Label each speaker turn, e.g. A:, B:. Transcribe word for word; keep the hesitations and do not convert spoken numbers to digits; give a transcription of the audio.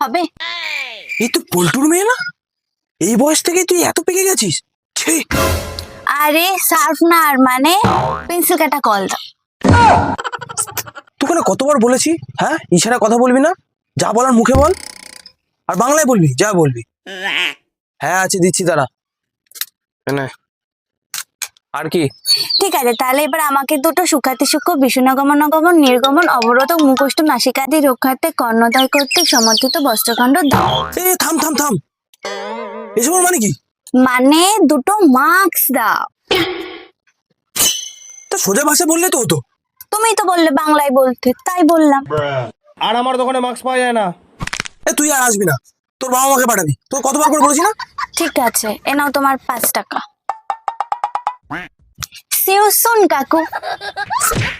A: হবে?
B: এই তো পল্টুর মেয়ে না? এই বয়স থেকে তুই এত পেকে গেছিস? ছি!
A: আরে শার্পনার মানে পেন্সিল কাটা কল দাও।
B: তোকে না কতবার বলেছি, হ্যাঁ ইশারা কথা বলবি না, যা বলার মুখে বল, আর বাংলায় বলবি যা বলবি। হ্যাঁ আছে, দিচ্ছি তারা। নে। আর কি?
A: ঠিক আছে, তাহলে এবার আমাকে দুটো সুখাতি সূক্ষ্ম বিষ্ণুগমন গমন নির্গমন অবরোধ মুখষ্ট নাসিকাদি রক্ষার্থে কর্ণদয় কর্তৃক সমর্থিত বস্ত্রখণ্ড দাও।
B: এ থাম থাম থাম, এসব মানে কি?
A: মানে দুটো মার্কস দাও।
B: তা সোজা ভাষা বললে তো হতো।
A: তুমি তো বললে বাংলায় বলতে, তাই বললাম।
C: আর আমার দোকানে মাস্ক পাওয়া যায় না।
B: এ তুই আর আসবি না, তোর বাবা মাকে পাঠাবি, তোর কতবার করে বলেছি না।
A: ঠিক আছে, এ নাও তোমার পাঁচ টাকা। See you soon, কাকু।